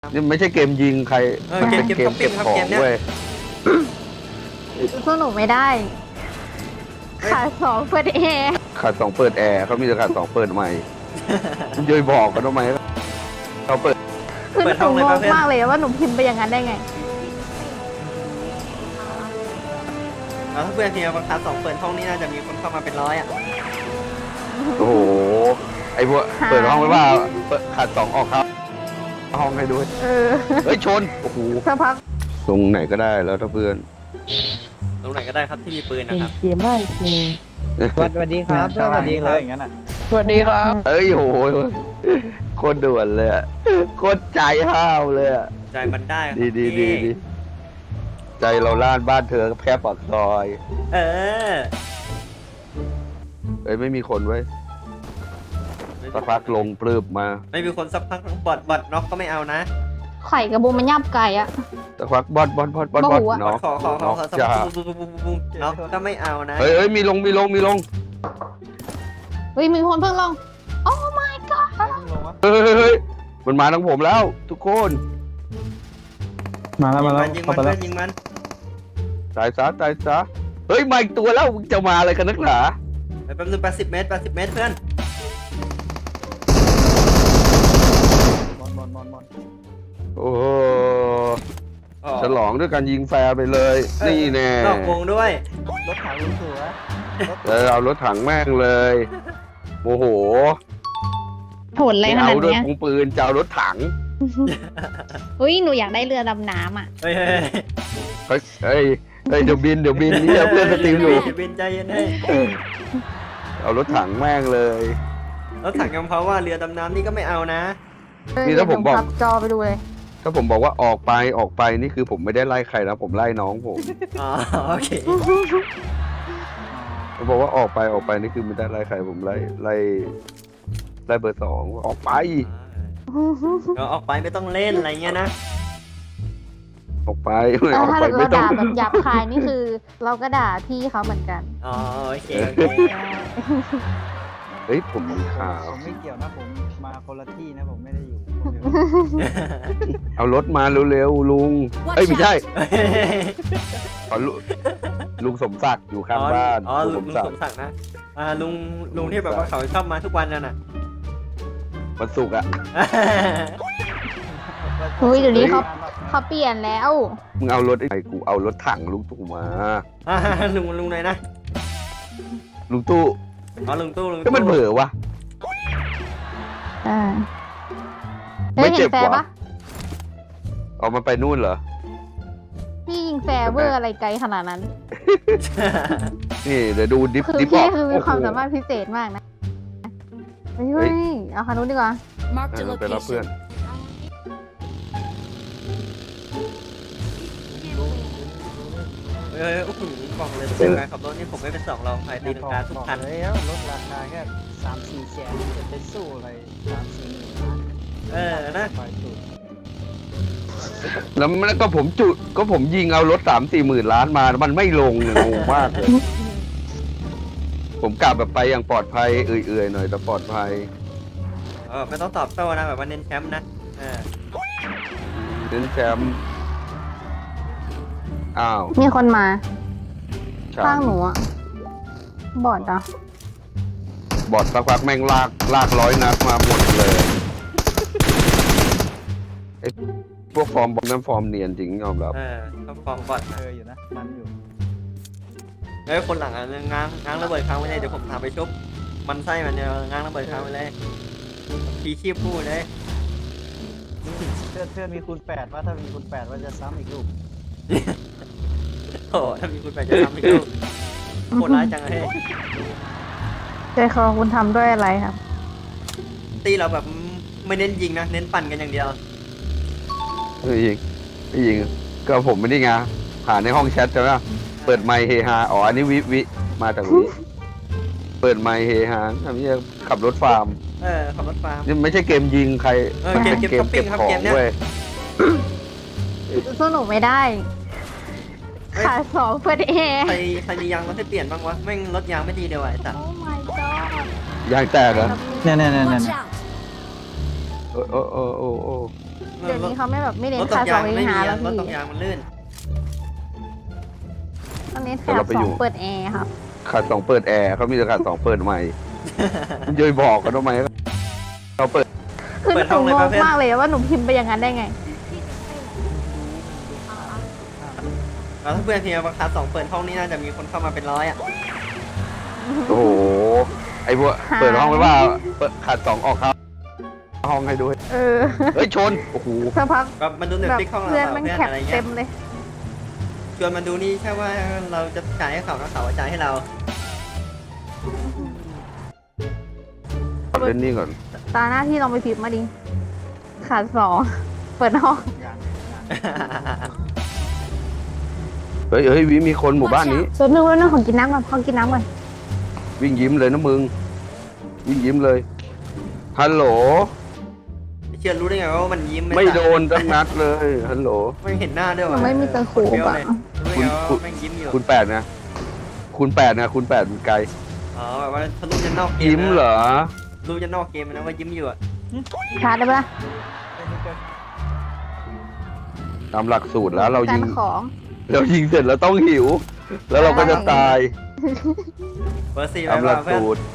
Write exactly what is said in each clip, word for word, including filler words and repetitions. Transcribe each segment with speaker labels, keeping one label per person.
Speaker 1: นี่ไม่ใช่เกมยิงใคร
Speaker 2: เออเกม
Speaker 1: เป็น
Speaker 2: เกม
Speaker 1: เกม
Speaker 2: ช้อปปิ้
Speaker 1: เก็บของ
Speaker 2: งครับเกมเนี้ย
Speaker 1: เว้ย
Speaker 3: สู้หนูไม่ได้ขาดสองเปิดแอร์
Speaker 1: ขาดสองเปิดแอร์เขามีแต่ขาดสองเปิดใหม่คุณย่อยบอกกันทำไมเขาเปิด
Speaker 3: คือหนูงงมากเลยว่าหนูพิมพ์ไปอย่างนั้นได้ไง
Speaker 2: แล้วถ้าเพื่อนทีมบังคับสองเปิดห้องนี้น่าจะมีคนเข้ามาเป็นร้อยอ่ะ
Speaker 1: โอ้โหไอ้พวกเปิดห้องไว้ว่าเปิดขาดสองออกครับห้องให้ด้วย
Speaker 3: เออ
Speaker 1: เฮ้ยชนโอ้โห
Speaker 3: สักพัก
Speaker 1: ตรงไหนก็ได้แล้วถ้าเพื่อน
Speaker 2: ตรงไหนก็ได้ครับที่มีปืนนะครับ
Speaker 4: เกมได้เกม
Speaker 5: สวัสดีครับสวัสดีครับอย่างนั้นอ่ะ
Speaker 4: สวัสดีครับ
Speaker 1: เอ้ยโอ้โหโคตรด่วนเลยอะโคตรใจห้าวเลยอะ
Speaker 2: ใจมันได้ครับ
Speaker 1: ดีดีดีดีใจเราล้านบ้านเธอแค่ปากซอย
Speaker 2: เออ
Speaker 1: เอ้ยไม่มีคนไว้ยสักพักลงปลืบมา
Speaker 2: ไม่มีคนสักพักบอดบอดน็อกก็ไม่เอานะ
Speaker 3: ไข่กับบูมมันยับไก่อะ
Speaker 1: สักพักบอดบอดบอดบอดบอด
Speaker 3: โมโหอะ
Speaker 2: บอ
Speaker 1: เนาะ
Speaker 2: ดขอขอขอขอสัก
Speaker 1: จ้า
Speaker 2: ปุ๊บปุ๊บปุ๊บปุ๊บปุ๊บน็อกก็ไม่เอานะ
Speaker 1: เฮ้ยเฮ้ยมีลงมีลงมีลง
Speaker 3: เฮ้ยมีคนเพิ่งลง โอ้ my god
Speaker 1: เฮ้ยเฮ้ยเฮ้ยมันมาทางผมแล้ว ทุกคน
Speaker 5: มาแล้วมาแล้ว
Speaker 2: ยิง
Speaker 5: เข้า
Speaker 2: มัน
Speaker 5: ไป
Speaker 2: ยิง
Speaker 5: แล้ว
Speaker 2: มันยิงมัน
Speaker 1: ตายซะตายซะเฮ้ยมาอีกตัวแล้วมึงจะมาอะไรกันนักหนา
Speaker 2: ไปแป๊บนึงแปดสิบเมตรแปดสิบเมตรเพื่อน
Speaker 5: บอลบอลบอลบอล
Speaker 1: โอ้โห
Speaker 2: อ๋อ
Speaker 1: ฉลองด้วยการยิงแฟร์ไปเลย
Speaker 2: เออ
Speaker 1: นี่แน่
Speaker 2: นอกวงด้วย
Speaker 5: รถถังลุงตัวรถ
Speaker 1: เออเอารถถังแม่งเลยโมโห
Speaker 3: โหดอะไร
Speaker 1: ไม่
Speaker 3: ขนา
Speaker 1: เอา
Speaker 3: ด
Speaker 1: ด้วย
Speaker 3: เนี้ย
Speaker 1: ปุงปืนจะเอารถถัง
Speaker 3: เฮ้ยหนูอยากได้เรือดำน้ำอะ
Speaker 2: เฮ้ยเฮ้ย
Speaker 1: เฮ้ยเฮ้ยเฮ้ยเดี๋ยวบินเดี๋ยวบินนี่เพื่อนสตรีมอยู่
Speaker 2: บินใจเย็นให้
Speaker 1: เอารถถังแม่งเลย
Speaker 2: แล้วถังยำเพราว่าเรือดำน้ำนี่ก็ไม่เอานะ
Speaker 1: นี่ถ้าผมบอก
Speaker 3: พับจอไปดูเลย
Speaker 1: ถ้าผมบอกว่าออกไปออกไปนี่คือผมไม่ได้ไล่ใครนะผมไล่น้องผม
Speaker 2: อ๋อโอเค
Speaker 1: ผมบอกว่าออกไปออกไปนี่คือไม่ได้ไล่ใครผมไล่ไล่ไล่เบอร์สองออกไป
Speaker 2: เดี๋ยวออกไปไม่ต้องเล่นอะไรเงี้ยนะ
Speaker 1: ออกไป
Speaker 3: เออ
Speaker 1: ออก
Speaker 3: ถ้า
Speaker 1: ไป
Speaker 3: เรา
Speaker 1: ไม่ต้อง
Speaker 3: ด่าแบบหยาบคายนี่คือ เราก็ด่าพี่เขาเหมือนกัน
Speaker 2: อ๋อโอเคโอเค
Speaker 1: เฮ้ยผมมีข่าว
Speaker 5: ผมไม่เกี่ยวนะผมมาคนละที่นะผมไม่ได้อยู่คนเดียว
Speaker 1: เอารถมาเร็วๆลุงเอ้ยไม่ใช่ขอลุลุงสมศักดิ์อยู่ข้างบ้าน
Speaker 2: อ๋อ
Speaker 1: ลุ
Speaker 2: ลุ
Speaker 1: ง
Speaker 2: ง
Speaker 1: ส
Speaker 2: ลุ
Speaker 1: ม
Speaker 2: ง
Speaker 1: ศัก
Speaker 2: สม
Speaker 1: ดิ์
Speaker 2: ศักดิ์นะอ่าลุงลุงที่แบบว่าเขาชอบมาทุกวันนั่นน่ะ
Speaker 1: วันศุกร์อะ
Speaker 3: เฮ้ยเดี๋ยวนี้เขาเขาเปลี่ยนแล้ว
Speaker 1: มึงเอารถไอ้กูเอารถถังลุงตู่มา
Speaker 2: อ่าลุงลุงไหนนะ
Speaker 1: ลุงตู้
Speaker 2: อ๋อลุงตู้ลุง
Speaker 1: ก็มันเบื่อวะ
Speaker 3: อ่า
Speaker 1: ไม่
Speaker 3: เฮ้ย
Speaker 1: เจ็
Speaker 3: เห็
Speaker 1: บ
Speaker 3: นแฟร์
Speaker 1: วะ
Speaker 3: ปะ
Speaker 1: เอามันไปนู่นเหรอ
Speaker 3: พี่ยิงแฟร์เวอร์อะไรไกลขนาดนั้น
Speaker 1: นี่เดี๋ยวดูดิฟ
Speaker 3: คือ
Speaker 1: ดิฟอ
Speaker 3: พี่
Speaker 1: อก
Speaker 3: คือมีความ
Speaker 1: โอ้โห
Speaker 3: สามารถพิเศษมากนะเฮ้ยเฮ้ยเอาคันนู้นดีกว่า
Speaker 6: Marked a
Speaker 1: เออไปรับเพื่อน
Speaker 6: location.
Speaker 2: เออโอ้โหบอกเลยเป็นการขับรถนี่ผมไม่เป็นสองรองใครตีลังกาทุกคัน
Speaker 5: เลยแล้วรถราคาแค่สามสี่แสนจะไปสู้อะไรสามสี่หมื่น
Speaker 2: เออนะ
Speaker 5: ไฟสุด
Speaker 1: แล้วมันก็ผมจุดก็ผมยิงเอารถสามสี่หมื่นล้านมา มันไม่ลงเนี่ยงงมากเลย ผมกลับแบบไปอย่างปลอดภัยเอื่อยๆหน่อยแต่ปลอดภัย
Speaker 2: เออไม่ต้องตอบโต้นะแบบว่าเน้นแชมป์นะเออ
Speaker 1: เน้นแชมป์อ้าว
Speaker 3: มีคนมา
Speaker 1: ฉัน
Speaker 3: ข้างหนูอะบอดอ่ะ
Speaker 1: บอดสักพักแม่งลากลากร้อยนัดมาหมดเลยไอ้พวกฟอร์มบอลนั้นฟอร์มเนียนจริงยอมรับ
Speaker 2: เออต้องฟองบอด
Speaker 5: เคยอยู่นะมันอยู่
Speaker 2: เฮ้ยคนหลังอ่ะง้างง้างระเบิดค้างไว้เลยเดี๋ยวผมพาไปชุบมันไส้มันเนี่ยง้างระเบิดค้างไว้เลยพีชีพพูดเลย
Speaker 5: เพื่อนเพื่อนมีคูณแปดว่าถ้ามีคูณแปดว่าจะซ้ำอีกลูก
Speaker 2: โอ้ถ้ามีคุณแปดจะทำให้ดูโคตรร้ายจังเลย
Speaker 3: ใจคอคุณทำด้วยอะไรครับ
Speaker 2: ตีเราแบบไม่เน้นยิงนะเน้นปั่นกันอย่างเดียว
Speaker 1: ไม่ยิงไม่ยิงก็ผมไม่ได้ไงหาในห้องแชทใช่ไหมเปิดไมค์เฮฮาอ๋ออันนี้วิวิมาจากวิเปิดไมค์เฮฮาทำนี่ขับรถฟาร์ม
Speaker 2: เออขับรถฟาร์ม
Speaker 1: นี่ไม่ใช่เกมยิงใคร
Speaker 2: เออเกม
Speaker 1: ป็น
Speaker 2: เกมช้อปปิ้งครับ
Speaker 1: ขอ
Speaker 2: เกมเนี้ย
Speaker 1: เว้ย
Speaker 3: สู้หนูไม่ได้ ขาดสองเปิดแอร์
Speaker 2: ใครใครมียางรถให้เปลี่ยนบ้างวะแม่งรถยางไม่ดีเดียวไอ้สัตว์
Speaker 3: โอ้ my god
Speaker 1: ยางแตกเหรอ
Speaker 5: เนี่ยเนี่ยเนี่ยเนี่ย
Speaker 6: Watch out.
Speaker 1: โอ้โอ้โอ้โอ้โอ้
Speaker 3: เดี๋ยวนี้เขาไม่แบบไม่เน้
Speaker 2: ร
Speaker 3: น
Speaker 2: ถต
Speaker 3: ขาก ส
Speaker 2: ยา
Speaker 3: อง ง
Speaker 2: ไม่
Speaker 3: เอง
Speaker 2: มี
Speaker 3: หาแล้ว
Speaker 2: รถ
Speaker 3: พี่
Speaker 2: ตกยางมันลื่น
Speaker 3: ตอนนี้แถบสองเปิดแอร์ครับ
Speaker 1: ขาดสองเปิดแอร์เขามีแต่ขาดสองเปิดใหม่มันจะไปบอกกันทำไมเราเปิด
Speaker 3: คือหนูงงมากเลยว่าหนูพิมพ์ไปอย่างนั้นได้ไง
Speaker 2: แล้วถ้าเพื่อนเพียงราคาสองเปิดห้องนี้น่าจะมีคนเข้ามาเป็นร้อยอ่ะ
Speaker 1: โอ้โหไอ้พวกเปิดห้องไว้ว่าเปิดขาดสองออกครับห้องให้ด้วย
Speaker 3: เออ
Speaker 1: เฮ้ยชนโอ้โห
Speaker 3: สักพัก
Speaker 2: แบบมันดูเน็ต
Speaker 3: แบบ
Speaker 2: ฟิกห้องเรา
Speaker 3: เพื่อน
Speaker 2: เปล่า
Speaker 3: มัน
Speaker 2: เพื่อน
Speaker 3: แคป
Speaker 2: อะไร
Speaker 3: เต็
Speaker 2: เงี้ย
Speaker 3: มเลย
Speaker 2: ชวนมันดูนี่ใช่ว่าเราจะจ่ายให้เขาแล้วเขาจะจ่ายให้เรา
Speaker 1: เล่นนี่ก่อน
Speaker 3: ตาหน้าที่ลองไปพิมพ์มาดิ ขาดสอง เปิดห้อง
Speaker 5: อย่าง
Speaker 1: เฮ้ยเฮ้ยวิมีคนหมู่บ้านนี้
Speaker 3: ส่วนหนึ่งแล้วนึงของกินน้ำก่อนขอกินน้ำก่อน
Speaker 1: วิ่งยิ้มเลยนะมึง วิ่งยิ้มเลย ฮัลโหล
Speaker 2: เชื่อรู้ได้ไงว่ามันยิ้ม
Speaker 1: ไม่
Speaker 2: จ่าย
Speaker 1: โดนตั้งนัดเลย ฮัลโหล
Speaker 2: ไม่เห็นหน้าด้วย
Speaker 3: มั
Speaker 2: วะ
Speaker 3: นไม่มีตะขูบอ่ะ
Speaker 2: รู้ได้ไงว่าแม่งยิ้มอยู่
Speaker 1: คุณแปดนะ คุณแปดนะ คุณแปดมันไกล
Speaker 2: อ๋อแบบว่าทะลุจะนอกเกม
Speaker 1: ยิ้มเหรอ
Speaker 2: รู้จะนอกเกมนะว่ายิ้มอยู่อ่ะ
Speaker 3: ชาร์จได้ปะ
Speaker 5: เป็นนี่ก็
Speaker 1: ตามหลักสูตรแล้วเรา
Speaker 3: กา
Speaker 1: ยิ
Speaker 3: รง ของ
Speaker 1: เรายิงเสร็จเราต้องหิว แล้วเราก็จะตาย
Speaker 2: เบอร์สี่ไป
Speaker 1: ตามหลั
Speaker 2: ว่าก เพื่อน
Speaker 1: สูตร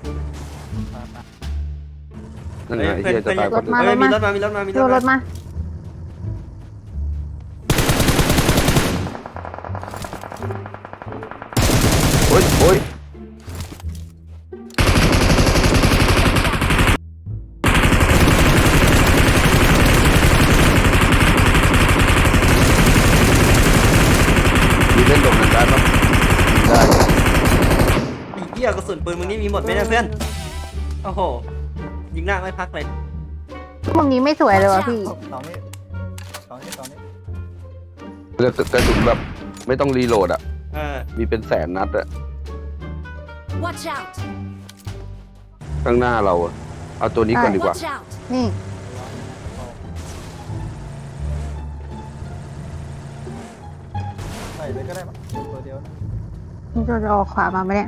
Speaker 1: นั่นไงไอ้
Speaker 2: เพื่อน
Speaker 1: เฮียจะ
Speaker 2: เพื่อน
Speaker 1: ตาย
Speaker 3: รถมา
Speaker 2: เฮ้ยมีรถมามีรถมามี
Speaker 3: โยนร
Speaker 2: ร
Speaker 3: ถ
Speaker 2: ถมา
Speaker 3: มา
Speaker 1: โอ๊ยโอ๊ยมีเล่นตรงนั้นได้ปะได้
Speaker 2: ไอ้เหี้ยกระสุนปืนมึงนี่มีหมดไหมเนี่ยเพื่อน โอ้โห ยิงหน้าไม่พักเลย
Speaker 3: พวกนี้ไม่สวยเลยว่ะพี่
Speaker 5: สองนี่สองนี่สองนี่
Speaker 1: กระกระสุนแบบไม่ต้องรีโหลดอ่ะ
Speaker 2: เออ
Speaker 1: มีเป็นแสนนัดอะ
Speaker 4: Watch out!
Speaker 1: ข้างหน้าเราอะเอาตัวนี้ก่อนดีกว่า
Speaker 4: Watch out!
Speaker 3: นี่
Speaker 5: ใส่เลยก็ได้มั้งตัวเดียวนะ
Speaker 3: มันจะออกขวามาไหมเนี่ย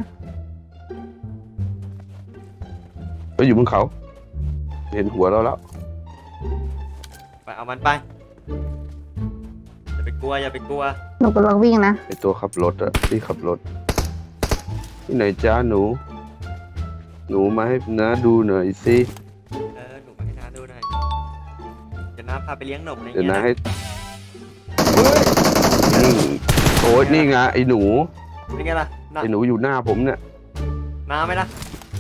Speaker 1: ไปอยู่บนเขา เห็นหัวเราแล้ว
Speaker 2: ไปเอามันไป อย่าไปกลัวอย่าไปกลัว
Speaker 3: หนูกำลังวิ่งนะ
Speaker 1: ไอตัวขับรถอะที่ขับรถ ที่ไหนจ้าหนู หนูมาให้น้าดูหน่อยสิ
Speaker 2: เออ หนูมาให้น้าดูหน่อยเดี๋ยวน้าพาไปเลี้ยงหนมอะไร
Speaker 1: เดี๋ยว
Speaker 2: เงี้ย
Speaker 1: น้า
Speaker 2: นะ
Speaker 1: ให้นี่โอ้ยนี่ไงไอหนู
Speaker 2: เป็นไงล่ะน้า
Speaker 1: ไอหนูอยู่หน้าผมเนี่ย
Speaker 2: น้าไหมล่ะ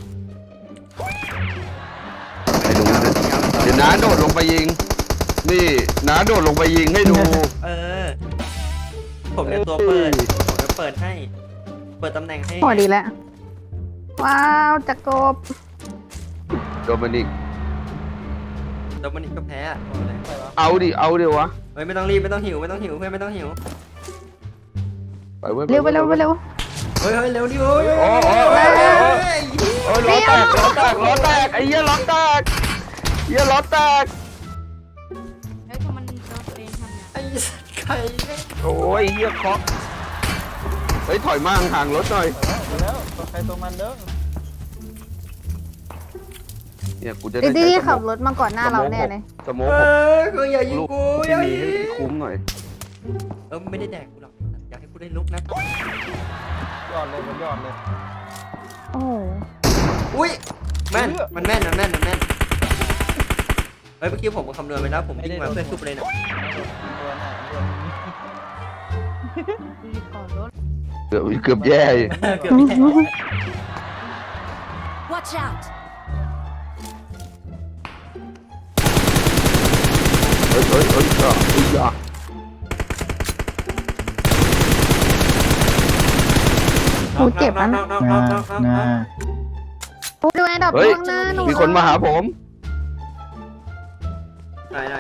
Speaker 1: ไอหนูเนี่ยเดี๋ยวน้าโดดลงไปยิง นี่น้าโดดลงไปยิงให้ดู
Speaker 2: เออ ผมเนี่ยตัวเปิด ผมจะเปิดให้ เปิดตำแหน่งให้
Speaker 3: พอดีแล้ว ว้าวจักรบ
Speaker 1: โดมินิก
Speaker 2: โดมินิกก็แพ้อะบอกเลย
Speaker 1: เอาดิ เอาดิวะ
Speaker 2: เฮ้ยไม่ต้องรีบไม่ต้องหิวไม่ต้องหิวเพื่อนไม่ต้องหิว
Speaker 1: ไปเว้ย
Speaker 3: เร็วไปเร็วไปเร็ว
Speaker 2: เฮ้ยเฮ้ยเร็วดิโอ้ย
Speaker 1: โอ้โอ้โอ้โอ้โอ้ยล้อแตกล้อแตกล้อแตกไอ้เหี้ยล้อแตกเหี้ยล้อแตก
Speaker 4: เฮ้ยพอมันโดนตัวเองทำไง
Speaker 2: ไอ้สัตว์ไข่เนี่ย
Speaker 1: โอ้ยเหี้ยเคาะเฮ้ยถอยมาห่างๆรถหน่อย
Speaker 5: ไปแล้วตัวใครตัวมันเด้อ
Speaker 1: เนี่ยกูจะ
Speaker 3: ไอ้
Speaker 1: ได้
Speaker 3: ที่
Speaker 1: ใช้
Speaker 3: ขับรถมาก่อนหน้าเราแน่เลย
Speaker 1: สโม
Speaker 2: เอกอ
Speaker 1: ผม
Speaker 2: กูอย่ายิง
Speaker 1: ลูก
Speaker 2: กูอ
Speaker 1: ที่
Speaker 2: ย่า
Speaker 1: มี
Speaker 2: ยิ
Speaker 1: ให้
Speaker 2: ง
Speaker 1: คุ้มหน่อย
Speaker 2: เออไม่ได้แดกกูหรอกอยากให้กูได้ลุกนะ
Speaker 5: ยอดเลยมันยอดเลย
Speaker 3: โอ้โห
Speaker 2: อุ้ยแม่นมันแม่นมันแม่นมันแม่นเฮ้ยเมื่อกี้ผมคำนวณไปแล้วผมวิ่งมาเพื่อชุบเลยนะ
Speaker 5: ตัวหน้าตัว
Speaker 1: เกือบเกือบแย่อยู่
Speaker 2: เกือบแย่
Speaker 4: Watch out!
Speaker 1: เฮ้ยเฮ้ยเฮ้ยอ่ะเฮ้ยอ่ะ
Speaker 3: หูเจ็บแล้วนะ
Speaker 2: น้องน้องน้องน้องน้อง
Speaker 3: ดูแอนดรอป
Speaker 1: เฮ้ย
Speaker 3: ข้างหน้าหนู
Speaker 1: มีคนมาหาผม
Speaker 2: ไหนไหน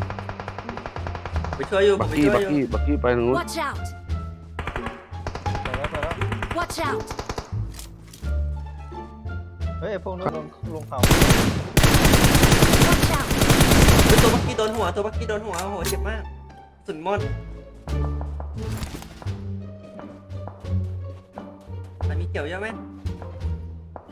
Speaker 2: ไปช่วยอยู่ผ
Speaker 1: บั
Speaker 2: ม
Speaker 1: ก
Speaker 2: ไป
Speaker 1: กี้
Speaker 2: ช่ว
Speaker 1: บั
Speaker 2: ย
Speaker 1: ก
Speaker 2: อยู่
Speaker 1: กี้บักกี้ไปทางนู้น
Speaker 4: Watch out!
Speaker 5: ไปแล้วไปแล้ว
Speaker 4: Watch out!
Speaker 5: เฮ้ยพวกนู้นลงลงเขา
Speaker 4: Watch out!
Speaker 2: เฮ้ยตัวบักกี้โดนหัวตัวบักกี้โดนหัวโอ้โหเจ็บมากสุดมอนมันมีเกี่ยวเยอะไหม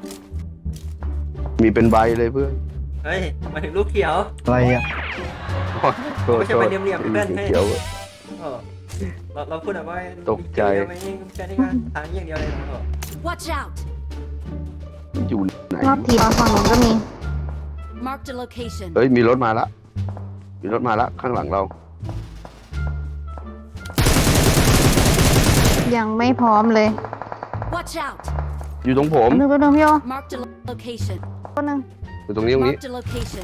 Speaker 1: มีเป็นใบเลยเพื่อน
Speaker 2: เฮ้ยมาถึงลูกเขียว
Speaker 5: อะไรอ่ะ
Speaker 2: ล
Speaker 1: โทษ
Speaker 2: ไม่ใช่
Speaker 1: โท
Speaker 2: ไป
Speaker 1: ษ
Speaker 2: เหลี่ยมๆเพื่อนให้
Speaker 1: เขียว
Speaker 2: เออเราเราพูดแบบว่า
Speaker 1: ตกใจ
Speaker 2: เดียวไม่แค่นี้ก็ทางอย่างเดียวเลยนะเออ
Speaker 4: Watch out!
Speaker 1: อยู่ไหน
Speaker 3: รอบทีมฝั่งนู้นก็มี
Speaker 4: Marked a location.
Speaker 1: เฮ้ยมีรถมาละมีรถมาละข้างหลังเรา
Speaker 3: ยังไม่พร้อมเลย
Speaker 4: Watch out!
Speaker 1: อยู่ตรงผม
Speaker 3: นึงตัวนึงพี่โอ
Speaker 4: Marked a lo- location.
Speaker 3: ตัวนึง
Speaker 1: อยู่ตรงนี้ตรงนี้
Speaker 4: Marked a location.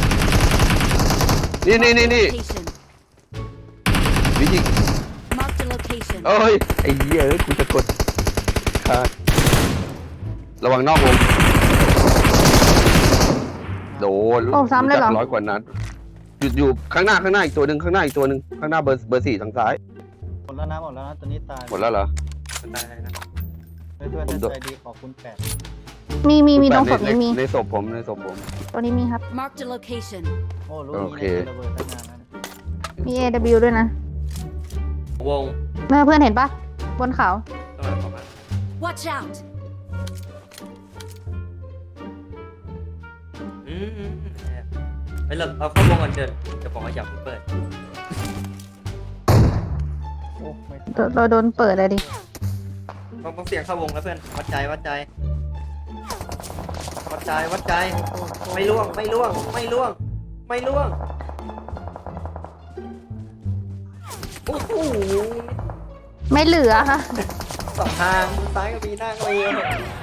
Speaker 1: นี่นี่นี่นี่
Speaker 4: Location.
Speaker 1: วิจิ
Speaker 4: Marked a location.
Speaker 1: เอ้ยไอ้เหี้ยเอ้ยกูจะกดขาดระวังนอกวงโดน
Speaker 3: โอ้ซ้ำเลยเหรอ
Speaker 1: ร้อยกว่านัดอยู่อยู่ข้างหน้าข้างหน้าอีกตัวหนึ่งข้างหน้าอีกตัวหนึ่งข้างหน้าเบอร์เบอร์สี่ทางซ้าย
Speaker 5: หมดแล้วนะหมดแล้วนะตัวนี้ตาย
Speaker 1: หมดแล้วเหรอ
Speaker 2: ตายเลยนะ
Speaker 5: เพื่อน
Speaker 1: ผม
Speaker 5: ๆ
Speaker 1: โด
Speaker 5: ท่าน นใจดีขอบคุณแปด
Speaker 3: มีมีมีตรงศพ
Speaker 1: ใน
Speaker 3: นี้มี
Speaker 1: ในศพผมในศพผม
Speaker 3: ตัวนี้มีครับ
Speaker 4: Marked a location.
Speaker 5: โอ้รู้
Speaker 1: โอ
Speaker 5: นี้
Speaker 1: เค
Speaker 5: ในระเบิดตั้งนานแล้วนะ
Speaker 3: มี เอ ดับเบิลยู ด้วยนะ
Speaker 2: วง
Speaker 3: เมื่อเพื่อนเห็นปะบนเขา
Speaker 2: ต้องมาประมาณ
Speaker 4: Watch out!
Speaker 2: อืมอืมอืมเฮ้ยเราเราเข้าวงก่อนเดินจะบอกว่าอย่าเพิ่งเปิด
Speaker 5: โอ้ไม่
Speaker 3: เราเราโดนเปิดเลยดิ
Speaker 2: ต้องต้องเสียงเข้าวงแล้วเพื่อนวัดใจวัดใจวัดใจวัดใจไม่ล่วงไม่ล่วงไม่ล่วงไม่ล่วงโอ้โห
Speaker 3: ไม่เหลือค่ะ
Speaker 2: สองทางซ้ายก็มีหน้าก็มี